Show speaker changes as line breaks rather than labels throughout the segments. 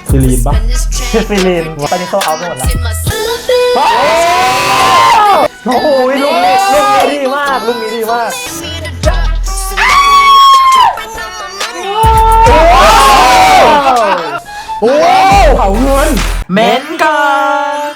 ซิลีนปะ
ฟิลินตอนนี้โซเอาหมดแล้วโอ้โหลูกนี้ดีมากลูกนี้ดีมาก
โอ้เผาเงิน
เม้นก่อน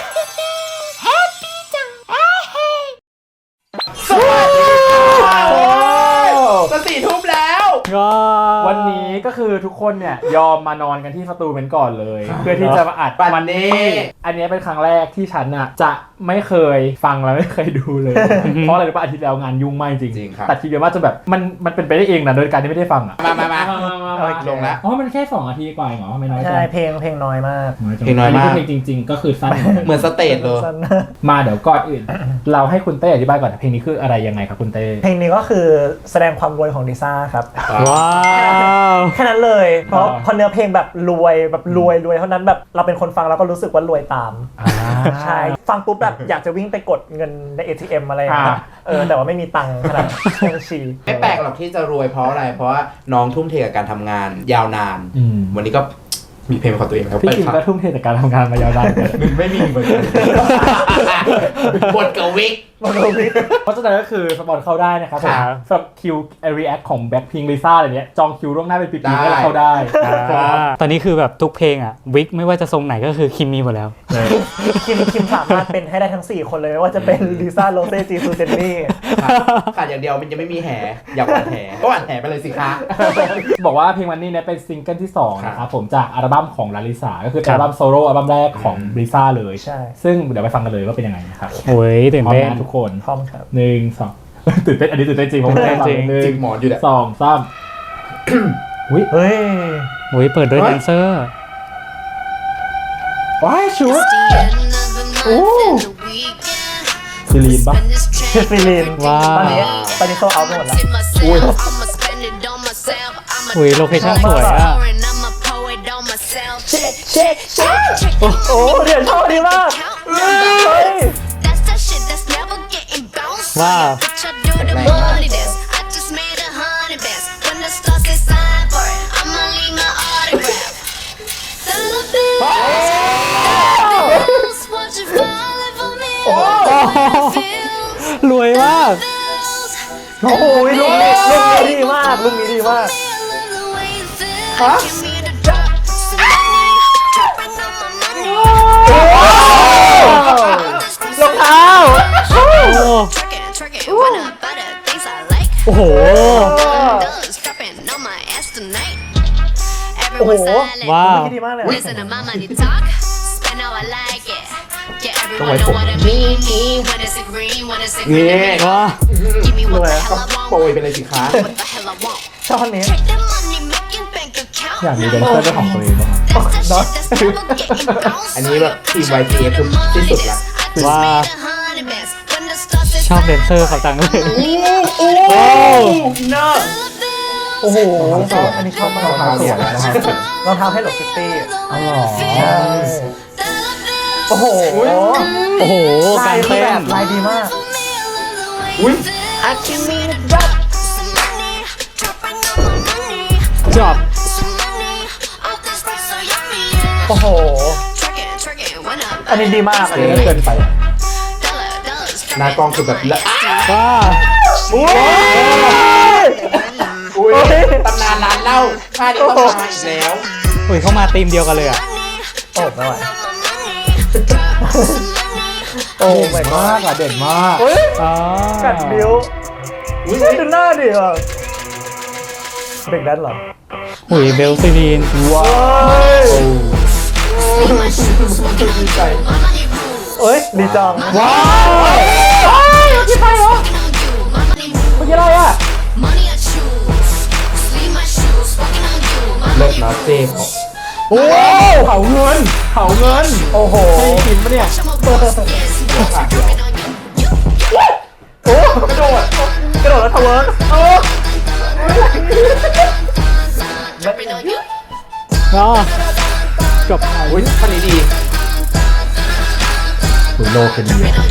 สวัสดีค่ะ
จะ4 ทุ่มแล้ว
วันนี้ก็คือทุกคนเนี่ยยอมมานอนกันที่สตูเป็นก่อนเลยเพื่อที่จะมาอัดวันนี้อันนี้เป็นครั้งแรกที่ฉันน่ะจะไม่เคยฟังและไม่เคยดูเลยเพราะอะไรรู้ป่ะอาทิตย์แล้วงานยุ่งมากจริงตัดทีเดียวว่าจะแบบมันเป็นไปได้เองนะโดยการที่ไม่ได้ฟังอ่ะ
มาลงแล้ว
อ๋อมันแค่2 นาทีกว่าเหรอไม่น้อย
ใช่เพลงน้อยมาก
เพลงน้อยมาก
เพลงจริงๆก็คือสั้น
เหมือนสเตจเลย
มาเดี๋ยวก่อนอื่นเราให้คุณเต้อธิบายก่อนเพลงนี้คืออะไรยังไงครับคุณเต้
เพลงนี้ก็คือแสดงความรวยของลิซ่าครับ
ว้าว
แค่นั้นเลยเพราะเนื้อเพลงแบบรวยเท่านั้นแบบเราเป็นคนฟังแล้วก็รู้สึกว่ารวยตามใช่ฟังปุ๊บแบบอยากจะวิ่งไปกดเงินใน ATM อะไรอย่างเงี้ยแต่ว่าไม่มีตังค์ขนาดบัญชี
ไม่แปลกหรอกที่จะรวยเพราะอะไรเพราะว่าน้องทุ่มเทกับการทำงานยาวนานวันนี้ก็มีเพลงของตัวเองแล้ว
พี่คิมก็ทุ่มเทกับการทำงานมายาวนาน
ไม่มีเหมือนกันบทกับวิก
เพราะฉะนั้นก็คือสปอนเข้าได้นะครับผมสำหรับคิวรีแอคของแบ็คพิงค์ลิซ่าอะไรเนี้ยจองคิวล่วงหน้าเป็นปีๆก็เข้าได้
ตอนนี้คือแบบทุกเพลงอ่ะวิกไม่ว่าจะทรงไหนก็คือคิมมีหมดแล้ว
คิมสามารถเป็นให้ได้ทั้ง4คนเลยไม่ว่าจะเป็นลิซ่าโรเซ่จีซูเจนนี่
ขาดอย่างเดียวมันจะไม่มีแห่อยากหวานแห่ก็หวานแห่ไปเลยสิคะ
บอกว่าเพลงวันนี้เนี่ยเป็นซิงเกิลที่2นะครับผมจากอัลบั้มของลาลิซาก็คืออัลบั้มโซโล่อัลบั้มแรกของลิซ่าเลยซึ่งเดี๋ยวไปฟังกันเลยว่าเป็นยังไงนะครับ
โอ้ยตื่นเต้น
ทุกคน
พร้อมครับ
1 2ตื่นเต้นอันนี้ตื่นเต้นจริงผมจ
ริงหมอนอยู่แหละ
2 3
เฮ้
ยเปิดด้วยแดนเซอร์
ว้ายชุดโอ้ซิลีนปะ
ฟิลิน
ว้าว
ตอนนี้โซเอาหมดแล้ว
อุ้ยโลเคชั่นสวยอ่ะ
โอ้โหเดี๋ยวชอบดีมาก
ว้าวรวยมาก
โอ้โหลูกนี้ดีมากลูกนี้ดีมากฮะรองเท้า
โอ้โหว้าว
ดีมากเลย
ต้องไว้ผม
นี่ว้า
ก็โปรยไปเลยสิคะ
ชอบคนนี้
อยากมีแดนเซอร์เป็นของตัวเองบ้าง
อันนี้แบบทีม YTF คือที่สุดละ
ว้าชอบแดนเซอร์เขาจังเลย
โอ้
โหอันนี้ชอบมากรองเท้าสวยนะครับรองเท้าให้หลบคิตตี้
อ๋อเหรอ
โอ้โห
การเต้น
ลายดีมาก
จบ
โอ้โหอันนี้ดีมากอันนี้
เกินไป
หน้ากล้องคือแบบ
ว้า
ตำนานร้านเหล้าท่านี้ต้องมาอีกแล้ว
เข้ามาธีมเดียวกันเลยอ่ะ
โอ้ไม่ไหว
โอ้ไม่มากอ่ะเด่นมาก
กัดบิ้วดูหน้าดิอ่ะเด็กแดนเหรอ
เบลซีลีน
ว้าวดีใจดีจัง
ว้าวกี่ไฟเหรอเมื่อกี้อะไรอ่ะ
เลิศนะเจ๊ของ
โอ้เผาเงิน
โอ้โห
กินปะเนี่ย
โอ้กระโดดแล้วทะเวิร์ก
จบ
ท่านี้ดี
โลเป็นเดียว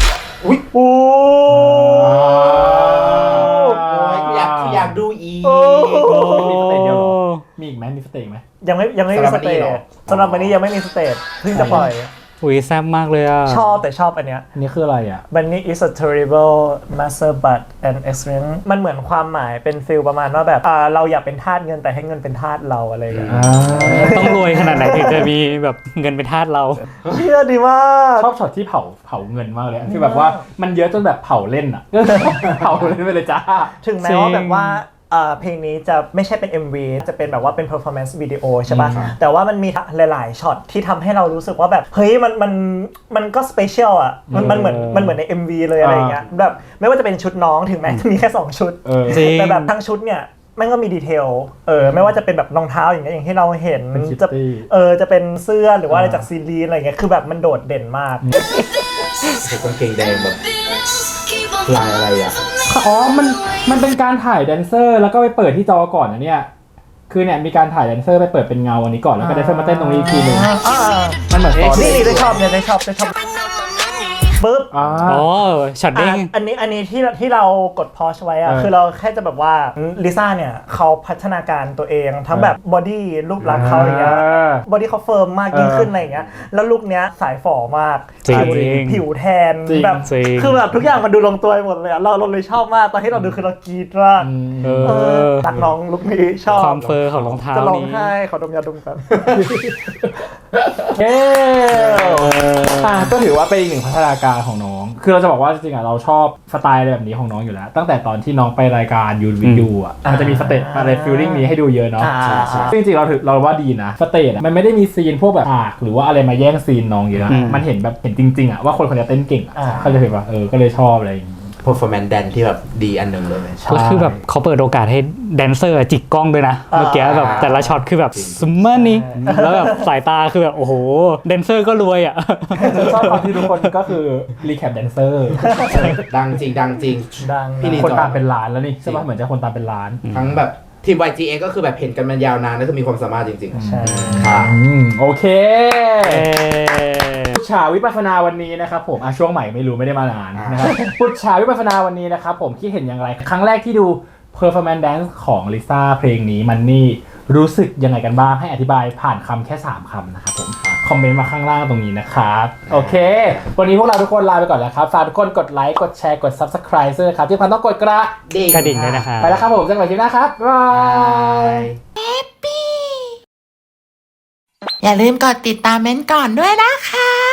อยากดูอีก
มีสเตจเดียวหรอมีอีกไหมมีสเตจไหม
ยังไม่มีสเตจสำหรับวันนี้ยังไม่มีสเตจเพิ่งจะปล่อย
อุ้ยแซ่บมากเลยอ่ะ
ชอบแต่ชอบอันเนี้ย
อันนี้คืออะไรอ่ะ
Bunny is a terrible master but an excellent มันเหมือนความหมายเป็นฟิลประมาณว่าแบบเราอยากเป็นทาสเงินแต่ให้เงินเป็นทาสเราอะไรอย่างเงี้ย
ต้องรวยขนาดไหนถึงจะมีแบบเงินเป็นทาสเรา
เชื่อดีมาก
ชอบช็อตที่เผาเงินมากเลยอะคือแบบว่ามันเยอะจนแบบเผาเล่นอ่ะ เผาเล่นไปเลยจ้า
ถึงแม้ว่าแบบว่าเพลงนี้จะไม่ใช่เป็น MV จะเป็นแบบว่าเป็น performance video ใช่ป่ะ แต่ว่ามันมีหลายๆช็อตที่ทำให้เรารู้สึกว่าแบบเฮ้ยมันก็ special อ่ะมันเหมือนใน MV เลยอะไรอย่างเงี้ยแบบไม่ว่าจะเป็นชุดน้องถึงแม้จะมีแค่2ชุด
จริง
แต่แบบทั้งชุดเนี่ยมันก็มีดีเทลไม่ว่าจะเป็นแบบรองเท้าอย่างเงี้ยอย่างที่เราเห็น
เป็นคิต
จะ
ตี้
จะเป็นเสื้อหรือว่าอะไรจากซีรีส์อะไรเงี้ยคือแบบมันโดดเด่นมาก
กางเกงแดงแบบลายอะไรอ่ะ
อ๋อมันเป็นการถ่ายแดนเซอร์แล้วก็ไปเปิดที่จอก่อนนะเนี่ยคือเนี่ยมีการถ่ายแดนเซอร์ไปเปิดเป็นเงาอันนี้ก่อนแล้วก็แดนเซอร์มาเต้นตรงนี้อีกทีนึงมันเหมือนตอน
นี่ได้ชอบเนี่ยได้ชอบปึ๊บ
อ๋อ
อ๋อช็อตเด้ง
อันนี้ที่เรากดพอชไว้อะ
เออ
คือเราแค่จะแบบว่าลิซ่าเนี่ยเขาพัฒนาการตัวเองทั้งแบบบอดี้รูปลักษณ์เขาอย่างเงี้ยบอดี้เขาเฟิร์มมากยิ่งขึ้นอะไรอย่างเงี้ยแล้วลุคเนี้ยสายฝ่อมาก
จริง
ผิวแทน
จริง
แบบ
จริง
คือแบบทุกอย่างมันดูลงตัวหมดเลยอะเราเลยชอบมากตอนที่เราดูคือเรากรี๊ดมาก
เออ
ตักน้องลุคนี้ชอบ
ความเฟอร์ของรองเท้า
จะร้อง
นี้
ไห้ขอดมยาดมกัน
เย้ก็ถือว่าเป็นอีกหนึ่งพัฒนาการของน้อง คือเราจะบอกว่าจริงๆอ่ะเราชอบสไตล์อะไรแบบนี้ของน้องอยู่แล้ว ตั้งแต่ตอนที่น้องไปรายการยูวิดูอ่ะมันจะมีสเตจอะไรฟิลลิ่งนี้ให้ดูเยอะเนาะ ซึ่งจริงๆเราว่าดีนะสเตจอะมันไม่ได้มีซีนพวกแบบฉากหรือว่าอะไรมาแย่งซีนน้องเยอะอะมันเห็นแบบเห็นจริงๆอ่ะว่าคนคนนี้เต้นเก่งอ่ะเขาจะเห็นว่าก็เลยชอบอะไรอย่างงี้
performance dance ที่แบบดีอันหนึ่งเลย
แล้วคือแบบเขาเปิดโอกาสให้แดนเซอร์จิกกล้องด้วยนะ เมื่อกี้แบบแต่ละช็อตคือแบบซุมเมอร์นี่แล้วแบบสายตาคือแบบโอ้โหแดนเซอร์ก็รวยอ่ะ
ชอบตอนที่ทุกคนก็คือรีแคปแดนเซอร์
ดังจริงดังจริง
ดัง
พี่ลี
คนตามเป็นล้านแล้วนี่ใช่ป่ะเหมือนจะคนตามเป็นล้าน
ทั้งแบบทีม YGA ก็คือแบบเห็นกันมายาวนานแล้วคือมีความสามารถจริงๆ
ใช่
โอเคพุชชาวิปัสสนาวันนี้นะครับผมช่วงใหม่ไม่รู้ไม่ได้มานานนะครับพุชชาวิปัสสนาวันนี้นะครับผมคิดเห็นอย่างไรครั้งแรกที่ดู performance dance ของลิซ่าเพลงนี้มันนี่รู้สึกยังไงกันบ้างให้อธิบายผ่านคำแค่3คำนะครับผมคอมเมนต์มาข้างล่างตรงนี้นะครับโอเควันนี้พวกเราทุกคนลาไปก่อนแล้วครับฝากทุกคนกดไลค์กดแชร์กด subscribe ด้วยครับที่พันต้องกดกระ
กระดิ่งด้วยนะคะ
ไปแล้วครับผมเจอกันใหม่คลิปหน้าครับบ๊ายบาย
อย่าลืมกดติดตามเม้นท์ก่อนด้วยนะคะ